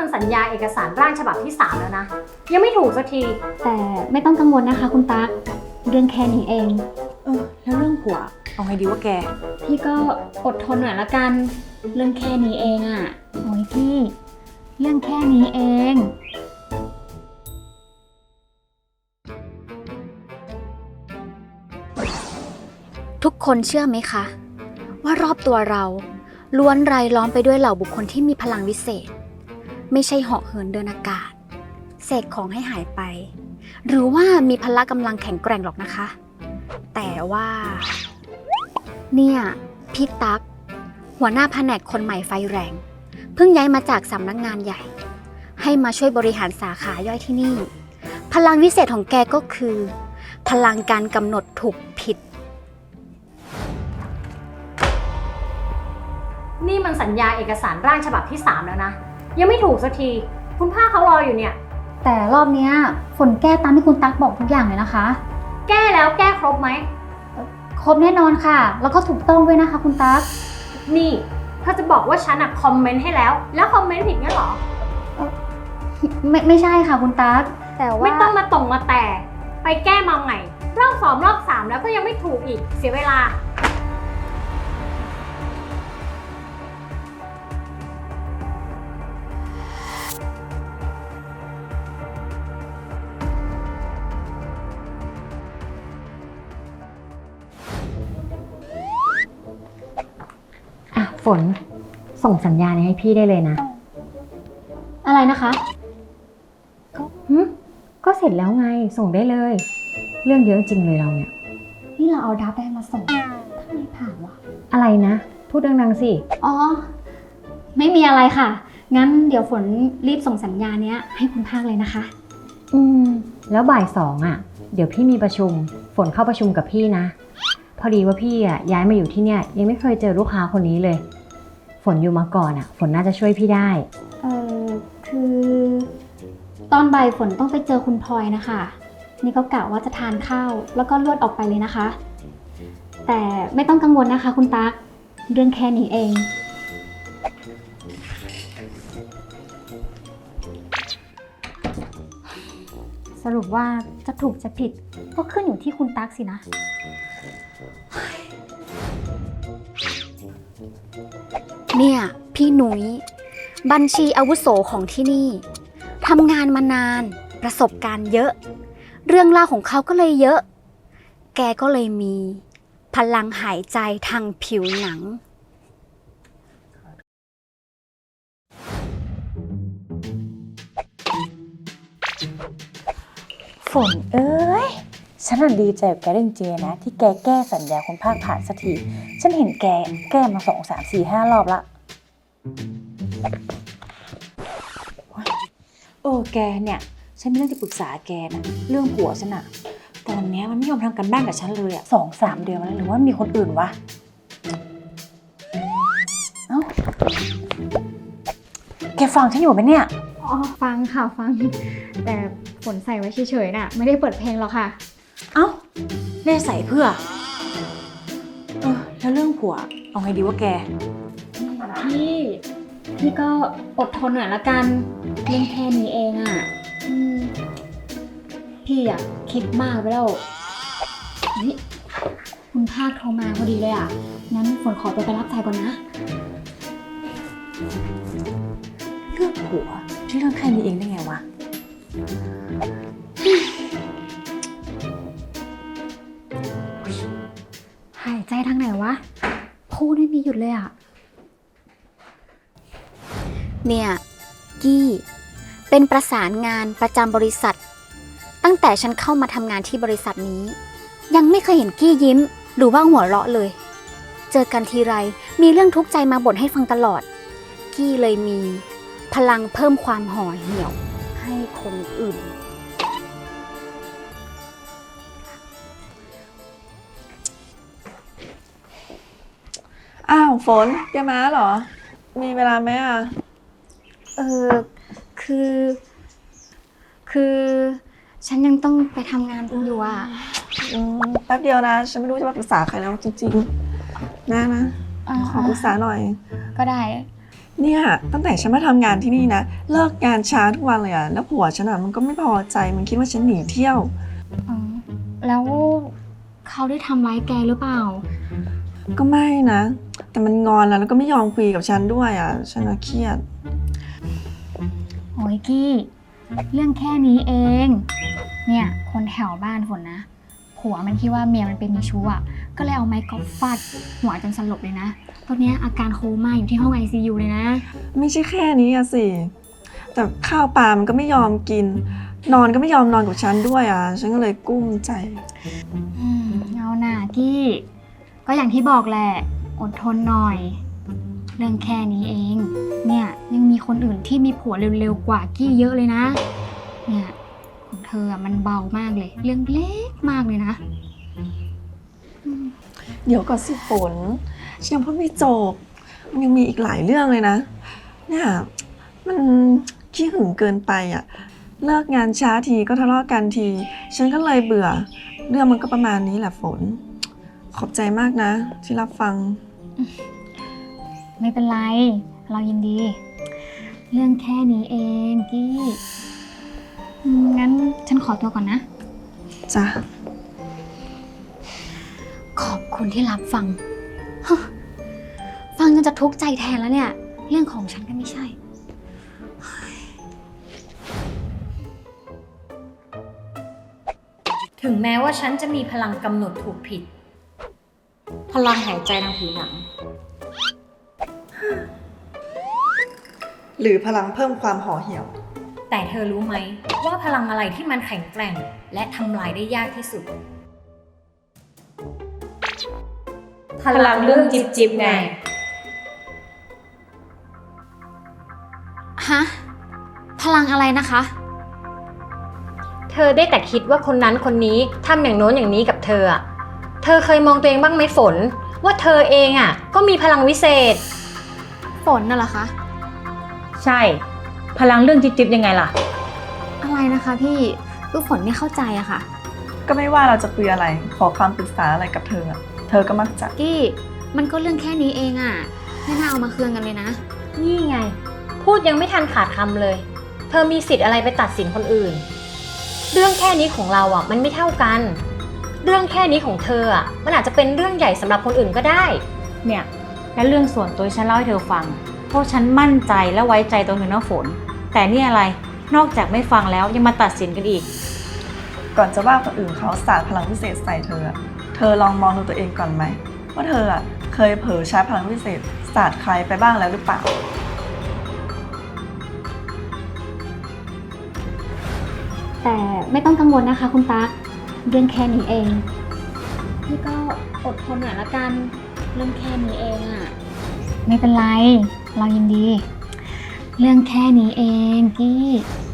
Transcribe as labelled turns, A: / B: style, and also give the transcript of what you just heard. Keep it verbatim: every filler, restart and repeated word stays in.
A: มันสัญญาเอกสารร่างฉบับที่สามแล้วนะยังไม่ถูกสักที
B: แต่ไม่ต้องกังวลนะคะคุณตั๊กเรื่องแค่นี้เอง
C: เออแล้วเรื่องผัวเอาไงดีวะแก
B: พี่ก็อดทนหน่อยละกันเรื่องแค่นี้เองอ่ะโอ้ยพี่เรื่องแค่นี้เอง
D: ทุกคนเชื่อไหมคะว่ารอบตัวเราล้วนรายล้อมไปด้วยเหล่าบุคคลที่มีพลังวิเศษไม่ใช่เหาะเหินเดินอากาศเสกของให้หายไปหรือว่ามีพละกำลังแข็งแกร่งหรอกนะคะแต่ว่าเนี่ยพี่ตั๊กหัวหน้าแผนกคนใหม่ไฟแรงเพิ่งย้ายมาจากสำนักงานใหญ่ให้มาช่วยบริหารสาขาย่อยที่นี่พลังวิเศษของแกก็คือพลังการกำหนดถูกผิด
A: นี่มันสัญญาเอกสารร่างฉบับที่สามแล้วนะยังไม่ถูกสักทีคุณป้าเขารออยู่เนี่ย
B: แต่รอบนี้ฝนแก้ตามที่คุณตั๊กบอกทุกอย่างเลยนะคะ
A: แก้แล้วแก้ครบไหม
B: ครบแน่นอนค่ะแล้วก็ถูกต้องด้วยนะคะคุณตั๊ก
A: นี่เธอจะบอกว่าฉันอะคอมเมนต์ให้แล้วแล้วคอมเมนต์ผิดงั้นเหรอ
B: ไม่ไม่ใช่ค่ะคุณตั๊กแต่ว่า
A: ไม่ต้องมาตรงมาแต่ไปแก้มาใหม่รอบสองรอบสามแล้วก็ยังไม่ถูกอีกเสียเวลา
E: ฝนส่งสัญญาณให้พี่ได้เลยนะ
B: อะไรนะคะ
E: ก็หึก็เสร็จแล้วไงส่งได้เลยเรื่องเยอะจริงเลยเราเนี่ย
B: นี่เราเอาดับแดงมาส่งทำไมผ่านวะ
E: อะไรนะพูดดังๆสิ
B: อ๋อไม่มีอะไรค่ะงั้นเดี๋ยวฝนรีบส่งสัญญาเนี้ยให้คุณภาคเลยนะคะ
E: อืมแล้วบ่ายสองอ่ะเดี๋ยวพี่มีประชุมฝนเข้าประชุมกับพี่นะพอดีว่าพี่อ่ะย้ายมาอยู่ที่เนี่ยยังไม่เคยเจอลูกค้าคนนี้เลยฝนอยู่มาก่อนอ่ะฝนน่าจะช่วยพี่ได้
B: เออคือตอนบ่ายฝนต้องไปเจอคุณพลอยนะคะนี่ก็กะว่าจะทานข้าวแล้วก็ลวดออกไปเลยนะคะแต่ไม่ต้องกังวลนะคะคุณตั๊กเรื่องแค่นี้เองสรุปว่าจะถูกจะผิดก็ขึ้นอยู่ที่คุณตั๊กสินะ
D: เนี่ยพี่หนุยบัญชีอาวุโสของที่นี่ทำงานมานานประสบการณ์เยอะเรื่องราวของเขาก็เลยเยอะแกก็เลยมีพลังหายใจทางผิวหนัง
C: ฝนเอ้ยฉันน่ะดีใจกับแกจริงๆนะที่แกแก้สัญญาคุณภาคผ่านสักทีฉันเห็นแกแก้มาสองสามสี่ห้ารอบละเออแกเนี่ยฉันมีเรื่องจะปรึกษาแกนะเรื่องผัวฉันอะตอนนี้มันไม่ยอมทำกันบ้านกับฉันเลยอะสองสามเดือนแล้วหรือว่ามีคนอื่นวะเอ้าแกฟังฉันอยู่ไหมเนี่ย
B: อ๋อฟังค่ะฟังแต่ฝนใส่ไว้เฉยๆน่ะไม่ได้เปิดเพลงหรอกค่ะ
C: เอ้าแน่ใส่เพื่อเออแล้วเรื่องผัวเอาไงดีวะแก
B: พี่พี่ก็อดทนหน่อยละกันเรื่องแค่นี้เองอ่ะพี่อ่ะคิดมากไปแล้วเฮ้ยคุณภาคโทรมาพอดีเลยอ่ะงั้นฝนขอตัวไปรับสายก่อนนะ
C: เรื่องผัวที่เรื่องแค่นี้เองได้ไงวะ
B: หายใจทางไหนวะพูดไม่มีหยุดเลยอ่ะ
D: เนี่ยกี้เป็นประสานงานประจำบริษัทตั้งแต่ฉันเข้ามาทำงานที่บริษัทนี้ยังไม่เคยเห็นกี้ยิ้มหรือว่าหัวเราะเลยเจอกันทีไรมีเรื่องทุกข์ใจมาบ่นให้ฟังตลอดกี้เลยมีพลังเพิ่มความห่อเหี่ยวให้คนอื่น
F: อ้าวฝนแกมาเหรอมีเวลาไหมอ่ะ
B: เออคือคือฉันยังต้องไปทำงานอยู่อ่ะ
F: อืมแป๊บเดียวนะฉันไม่รู้จะมาปรึกษาใครแล้วจริงๆนะนะขอปรึกษาหน่อย
B: ก็ได้
F: เนี่ยตั้งแต่ฉันมาทำงานที่นี่นะเลิกงานช้าทุกวันเลยอะแล้วผัวฉันอะมันก็ไม่พอใจมันคิดว่าฉันหนีเที่ยว
B: อ๋อ แล้วเขาได้ทำร้ายแกหรือเปล่า
F: ก็ไม่นะ แต่มันงอนแล้วแล้วก็ไม่ยอมคุยกับฉันด้วยอะฉันน่ะเครียด
B: โอ้ยกี้ เรื่องแค่นี้เอง เนี่ย คนแถวบ้านฝนนะ ผัวมันคิดว่าเมียมันเป็นมีชู้อ่ะ ก็เลยเอาไม้กอล์ฟฟาดหัวจนสลบเลยนะ ตอนเนี้ยอาการโคม่าอยู่ที่ห้อง ไอ ซี ยู เลยนะ
F: ไม่ใช่แค่นี้อะสิ แต่ข้าวปลามันก็ไม่ยอมกิน นอนก็ไม่ยอมนอนกับฉันด้วยอะฉันก็เลยกุ้มใจ
B: อืมเอาหน่ากี้ ก็อย่างที่บอกแหละ อดทนหน่อย เรื่องแค่นี้เอง เนี่ยยังมีคนอื่นที่มีผัวเร็วๆกว่ากี้เยอะเลยนะ เนี่ยของเธออะมันเบามากเลย เรื่องเล็กมากเลยนะ
F: เดี๋ยวก่อนสิฝนฉันยังพูดไม่จบมันยังมีอีกหลายเรื่องเลยนะ เนี่ยมันขี้หึงเกินไปอะเลิกงานช้าทีก็ทะเลาะกันที ฉันก็เลยเบื่อ เรื่องมันก็ประมาณนี้แหละฝน ขอบใจมากนะ ที่รับฟัง
B: ไม่เป็นไร เรายินดี เรื่องแค่นี้เองกี้อืมงั้นฉันขอตัวก่อนนะ
F: จ้ะ
D: ขอบคุณที่รับฟัง ฮะฟังจนจะทุกข์ใจแทนแล้วเนี่ย เรื่องของฉันก็ไม่ใช่
A: ถึงแม้ว่าฉันจะมีพลังกำหนดถูกผิด พลังหายใจทางผิวหนัง
F: หรือพลังเพิ่มความห่อเหี่ยว
A: แต่เธอรู้ไหมว่าพลังอะไรที่มันแข็งแกร่ง และทำลายได้ยากที่สุด พลังเรื่องจิบจิบไง
D: ฮะ พลังอะไรนะคะ
A: เธอได้แต่คิดว่าคนนั้นคนนี้ทำอย่างโน้นอย่างนี้กับเธออะเธอเคยมองตัวเองบ้างไหมฝน ว่าเธอเองอะก็มีพลังวิเศษ
D: ฝนน่ะเหรอคะ
C: ใช่ พลังเรื่องจิ๊บๆยังไงล่ะ
D: อะไรนะคะพี่คือฝนไม่เข้าใจอะค่ะ
F: ก็ไม่ว่าเราจะคุยอะไร ขอคำปรึกษาอะไรกับเธออะเธอก็มักจะ
D: กี้ มันก็เรื่องแค่นี้เองอะไม่น่าเอามาเคืองกันเลยนะ
A: นี่ไง พูดยังไม่ทันขาดคำเลย เธอมีสิทธิ์อะไรไปตัดสินคนอื่น เรื่องแค่นี้ของเราอ่ะมันไม่เท่ากัน เรื่องแค่นี้ของเธออ่ะมันอาจจะเป็นเรื่องใหญ่สำหรับคนอื่นก็ได้
C: เนี่ยและเรื่องส่วนตัวฉันเล่าให้เธอฟัง เพราะฉันมั่นใจและไว้ใจตัวเธอนะฝน แต่นี่อะไร นอกจากไม่ฟังแล้วยังมาตัดสินกันอีก
F: ก่อนจะว่าคนอื่นเขาสาดพลังพิเศษใส่เธออะเธอลองมองดูตัวเองก่อนไหมว่าเธออะเคยเผลอใช้พลังพิเศษสาดใครไปบ้างแล้วหรือเปล่า
B: แต่ไม่ต้องกังวลนะคะคุณตั๊ก เรื่องแค่นี้เอง พี่ก็อดทนหน่อยละกัน เรื่องแค่นี้เองอะไม่เป็นไร เรายินดี เรื่องแค่นี้เองกี้